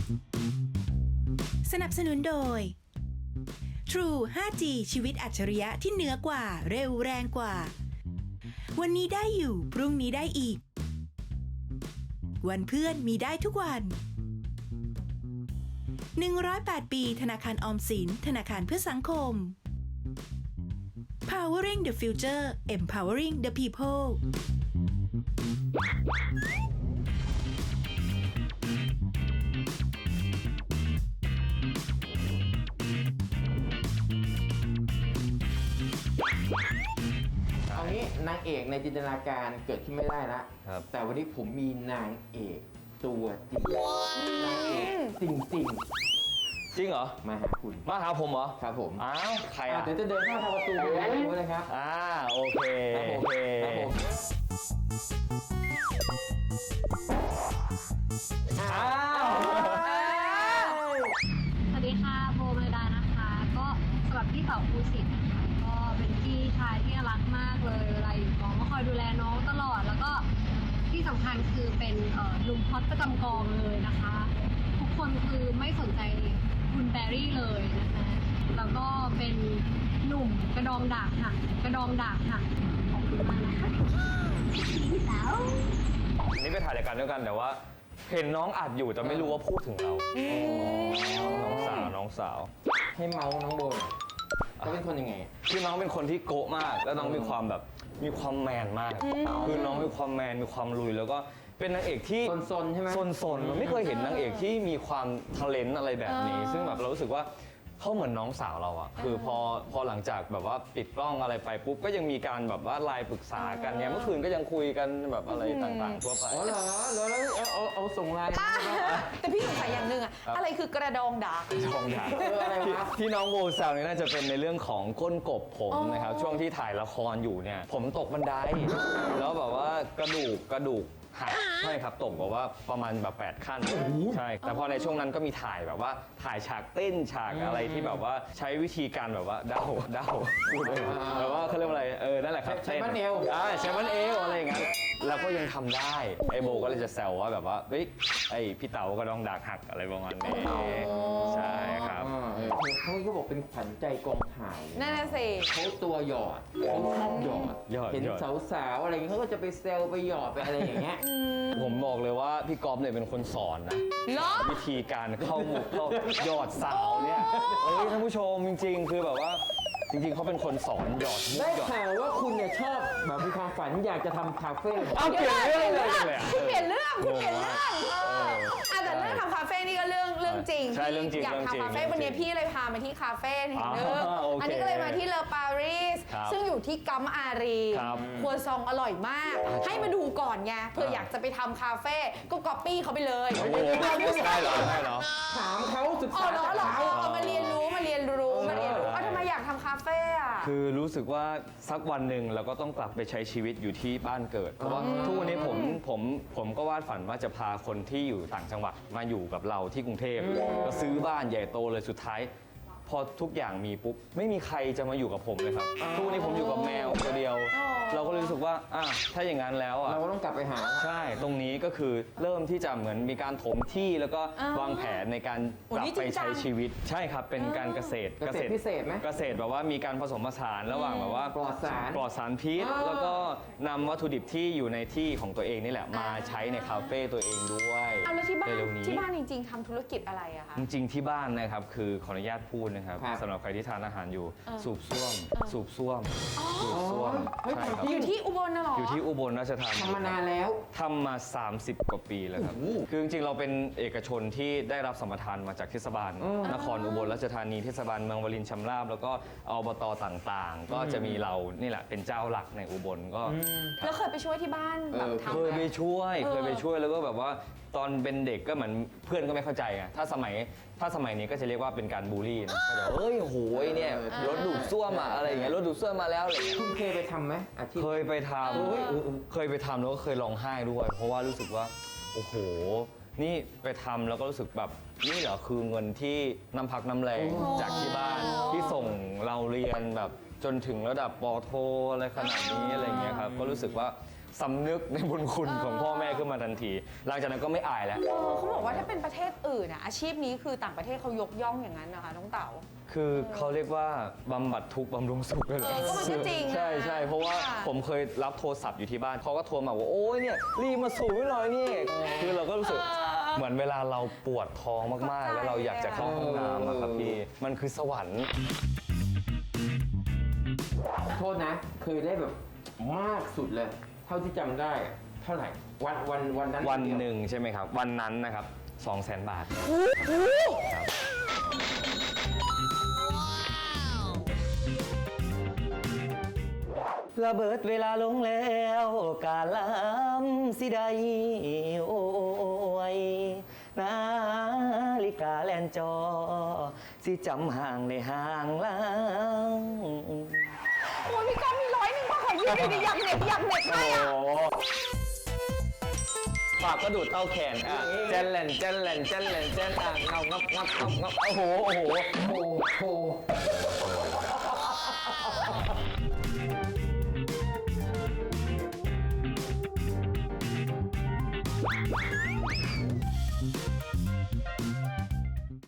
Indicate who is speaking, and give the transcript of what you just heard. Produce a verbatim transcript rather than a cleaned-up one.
Speaker 1: สนับสนุนโดย True ไฟว์จี ชีวิตอัจฉริยะที่เหนือกว่าเร็วแรงกว่าวันนี้ได้อยู่พรุ่งนี้ได้อีกวันเพื่อนมีได้ทุกวันหนึ่งร้อยแปดปีธนาคารออมสินธนาคารเพื่อสังคม Powering the Future Empowering the People
Speaker 2: เอางี้นางเอกในจินตนาการเกิดขึ้นไม่ได้ละแต่วันนี้ผมมีนางเอกตัวจริงนางเอกจริงจริง
Speaker 3: จริงเหรอ
Speaker 2: มาหาคุณ
Speaker 3: มาหาผมเหรอ
Speaker 2: ครับผม
Speaker 3: อ้าวใครอ่ะ
Speaker 2: เดี๋ยวจะเดินเข้าทางประตูไปได้ดูเลยครับ
Speaker 3: อ่าโอเคโอเค
Speaker 2: ครับผม
Speaker 3: อ้าว
Speaker 4: สวัสดีค่ะโบเมลดานะคะก็สำหรับพี่เต๋าภูสิทธิ์นะคะก็เป็นพี่ชายที่รักมากเลยเวลาอยู่กองก็คอยดูแลน้องตลอดแล้วก็ที่สำคัญคือเป็นหนุ่มฮอตประจำกองเลยนะคะทุกคนคือไม่สนใจคุณแบรี่เลยนะคะแล้วก็เป็นหนุ่มกระดองดากหักกระดองดากหักขอบคุณมากนะคะพี่เต๋า
Speaker 3: นี่ไปถ่ายรายการด้วยกันแต่ว่าเห็นน้องอัดอยู่แต่ไม่รู้ว่าพูดถึงเราน้องสาวน้องสาว
Speaker 2: ให้เมาส์น้องโบเขาเป็นคนยังไง
Speaker 3: คือน้องเป็นคนที่โกะมากแล้วน้องมีความแบบมีความแมนมากคือน้องมีความแมนมีความลุยแล้วก็เป็นนางเอกที่
Speaker 2: ซนๆใช่ไหม
Speaker 3: ซนๆมันไม่เคยเห็นนางเอกที่มีความทะเลนต์อะไรแบบนี้ซึ่งแบบเรารู้สึกว่าเขาเหมือนน้องสาวเราอะคือพอพอหลังจากแบบว่าปิดกล้องอะไรไปปุ๊บก็ยังมีการแบบว่าไลน์ปรึกษากันเนี่ยเมื่อคืนก็ยังคุยกันแบบอะไรต่างๆทั่วไป
Speaker 2: อ๋อเหรอแล้วแล้วเอาเอาส่งไลน์
Speaker 5: แต่พี่สงสัยอย่างหนึ่งอะอะไรคือกระดองดาก
Speaker 3: กระดองดาก
Speaker 2: อะไรวะ
Speaker 3: ที่น้องโบแซวนี่น่าจะเป็นในเรื่องของก้นกบผมนะครับช่วงที่ถ่ายละครอยู่เนี่ยผมตกบันไดแล้วแบบว่ากระดูกกระดูกหักใช่ครับตกแบบว่าประมาณแบบแปดขั้นใช่แต่พอในช่วงนั้นก็มีถ่ายแบบว่าถ่ายฉากเต้นฉากอะไรที่แบบว่าใช้วิธีการแบบว่าเดาเดาพูดเลยแบบว่าเขาเรียกว่าอะไรเออนั่นแหละครับ
Speaker 2: ใช้บันเอว
Speaker 3: อ่าใช้บันเอวอะไรอย่างเงี้ยแล้วก็ยังทำได้ไอโบก็เลยจะแซวว่าแบบว่าเฮ้ยไอพี่เต๋าก็ต้องดากหักอะไรประมาณนี้ใช่ครับ
Speaker 2: เขาก็บอกเป็นขวัญใจกองถ่าย
Speaker 5: นั่นน่ะสิ
Speaker 2: เขาตัวหยอดเขาชอบหยอดเห็นสาวๆอะไรอย่างเงี้ยเขาก็จะไปเซลไปหยอดไปอะไรอย่างเงี้ย
Speaker 3: ผมบอกเลยว่าพี่ก๊อฟเนี่ยเป็นคนสอนนะวิธีการเข้าหมุกเข้าหยอดสาวเนี่ยเอ้ยท่านผู้ชมจริงๆคือแบบว่าจริงๆเขาเป็นคนสอนหยอด
Speaker 2: ได้ข่าวว่าคุณเนี่ยชอบแบบมีความฝันอยากจะทำคาเฟ่
Speaker 3: เอาเปลี่ยนเรื่องเลย
Speaker 5: คุณเปลี่ยนเรื่องคุณเปลี่ยนเรื่องแต่เรื่องทำคาเฟ่นี่ก็เรื่องเรื่องจริง
Speaker 3: ใช่เรื่องจริง
Speaker 5: อยากทำคาเฟ่วันนี้พี่เลยพามาที่คาเฟ่แห่งนึงอันนี้ก็เลยมาที่เลอปารีสซึ่งอยู่ที่กัมอารีครัวซองอร่อยมากให้มาดูก่อนไงเผื่ออยากจะไปทำคาเฟ่ก็ก๊อปปี้เขาไปเลย
Speaker 3: ได้เหรอได้เหรอ
Speaker 2: ถามเขาศึกษา
Speaker 5: อ๋อเหรอเหรอเอามาเรียนรู้มาเรียนรู้มาเรียนรู้ทำไมอยากทำคาเฟ่อะ
Speaker 3: คือรู้สึกว่าสักวันหนึ่งเราก็ต้องกลับไปใช้ชีวิตอยู่ที่บ้านเกิดเพราะว่าทุกวันนี้ผมผมผมก็วาดฝันว่าจะพาคนที่อยู่ต่างจังหวัดมาอยู่กับเราที่กรุงเทพก็ซื้อบ้านใหญ่โตเลยสุดท้ายพอทุกอย่างมีปุ๊บไม่มีใครจะมาอยู่กับผมเลยครับทุกวันนี้ผมอยู่กับแมวตัวเดียวเราก็รู้สึกว่าอ่ะถ้าอย่างนั้นแล้วอ่ะ
Speaker 2: เราก็ต้องกลับไปหา
Speaker 3: ใช่ตรงนี้ก็คือเริ่มที่จะเหมือนมีการถมที่แล้วก็วางแผนในการกลับไปใช้ชีวิตใช่ครับเป็นการเกษตร
Speaker 2: เกษตรพิเศษไหม
Speaker 3: เกษตรแบบว่ามีการผสมผสานระหว่างแบบว่า
Speaker 2: ปลอดสาร
Speaker 3: ปลอดสารพิษแล้วก็นำวัตถุดิบที่อยู่ในที่ของตัวเองนี่แหละมาใช้ในคาเฟ่ตัวเองด้วย
Speaker 5: เอาแล้วที่บ้านที่บ้านจริงๆทำธุรกิจอะไรอะคะ
Speaker 3: จริงๆที่บ้านนะครับคือขออนุญาตพูดนะครับสำหรับใครที่ทานอาหารอยู่สูบซ่วมสูบซ่วมสูบซ่วม
Speaker 5: ใช่ครับอยู่ที่อุบลน่ะหรอ
Speaker 3: อยู่ที่อุบลราชธานี
Speaker 2: ทำมานานแล้ว
Speaker 3: ทำมาสามสิบกว่าปีแล้วครับคือจริงๆเราเป็นเอกชนที่ได้รับสัมปทานมาจากเทศบาลนครอุบลราชธานีเทศบาลเมืองวลินชำราบแล้วก็อบตต่างๆก็จะมีเรานี่แหละเป็นเจ้าหลักในอุบลก็
Speaker 5: แล้วเคยไปช่วยที่บ้านแบบทำ
Speaker 3: เคยไปช่วยเคยไปช่วยแล้วก็แบบว่าตอนเป็นเด็กก็เหมือนเพื่อนก็ไม่เข้าใจไงถ้าสมัยถ้าสมัยนี้ก็จะเรียกว่าเป็นการบูลลี่นะก็จะเฮ้ยโหยเนี่ยรถดูดซ่วมอะอะไรอย่างเงี้ยรถดูดซ่วมมาแล้วเลย
Speaker 2: คุณเคยไปทำไหมอาชีพ
Speaker 3: เคยไปทำเคยไปทำแล้วก็เคยร้องไห้ด้วยเพราะว่ารู้สึกว่าโอ้โหนี่ไปทำแล้วก็รู้สึกแบบนี่เหรอคือเงินที่น้ำพักน้ำแรงจากที่บ้านที่ส่งเราเรียนแบบจนถึงระดับป.โทอะไรขนาดนี้อะไรเงี้ยครับก็รู้สึกว่าสำนึกในบุญคุณของพ่อแม่ขึ้นมาทันที หลังจากนั้นก็ไม่อายแล้ว
Speaker 5: เออเขาบอกว่าถ้าเป็นประเทศอื่นอะอาชีพนี้คือต่างประเทศเขายกย่องอย่างนั้นนะคะน้องเต๋า
Speaker 3: คือเขาเรียกว่าบำบัดทุกข์บำรุงสุขเลยเหรอ
Speaker 5: เออก็มันก็จริงนะ
Speaker 3: ใช่ใช่เพราะว่า
Speaker 5: ค่ะ
Speaker 3: ผมเคยรับโทรศัพท์อยู่ที่บ้านเขาก็โทรมาว่าโอ้ยเนี่ยรีบมาสูบให้หน่อยนี่คือเราก็รู้สึกเหมือนเวลาเราปวดท้องมากๆ แล้วเราอยากจะเข้าห้องน้ำอะครับพี่มันคือสวรรค์
Speaker 2: โทษนะเคยได้แบบมากสุดเลย เท่าที่จำได้อะเท่าไหร่วันวันวันนั้น
Speaker 3: วันหนึ่งใช่ไหมครับ วันนั้นนะครับสองแสนบาทครับระเบิดเวลาลงแล้วกาลำสิใดโอ้ยนาฬิกาแลนจอ สิจำห่างในห่างลัง
Speaker 5: โอ้ยพี่ก้องมีร้อยหนึ่งมาขอยืมหน่อยดิอยากเหน็บอยากเหน็บให้อะ
Speaker 3: ปากก็ดูดเต้าแขนอ่ะเจนแหลนเจนแหลนเจนแหลนเจนอ่ะเงางับงับงับงับโอ้โหโอ้โห
Speaker 2: โอ้โห